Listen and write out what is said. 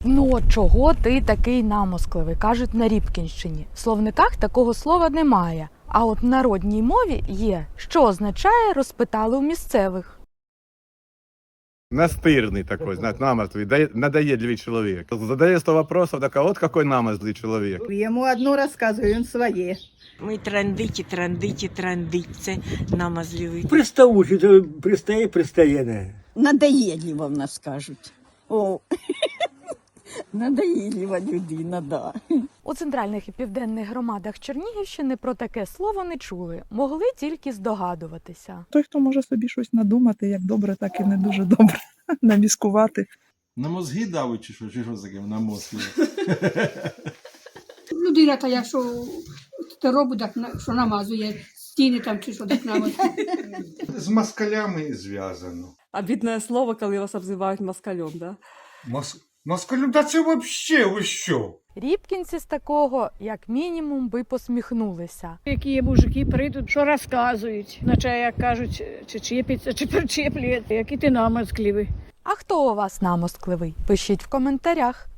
Ну от чого ти такий намоскливий, кажуть на Рібкінщині. В словниках такого слова немає, а от в народній мові є, що означає «розпитали у місцевих». Настырный такой, знаешь, намертвый, надоедливый человек. Задає 100 вопросов, так а вот какой намерзлый человек. Йому одно розказую, він своє. Ми трандиті, це намазливий. Приставучий, то пристає не. Надоєдлива в нас кажуть. О, надоєдлива людина, да. У центральних і південних громадах Чернігівщини про таке слово не чули, могли тільки здогадуватися. Той, хто може собі щось надумати, як добре, так і не дуже добре, наміскувати. На мозги давить чи що з таким на мозги? Людина та якщо те робить, так що намазує стіни там чи що так намазує. З москалями зв'язано. Обидное слово, коли вас обзивають москалем, да? Москалю, да це вообще ви що? Рібкінці з такого, як мінімум, би посміхнулися. Які мужики прийдуть, що розказують, наче як кажуть, чи чіпиться, чи причеплює, який ти намазкливий. А хто у вас намоскливий? Пишіть в коментарях.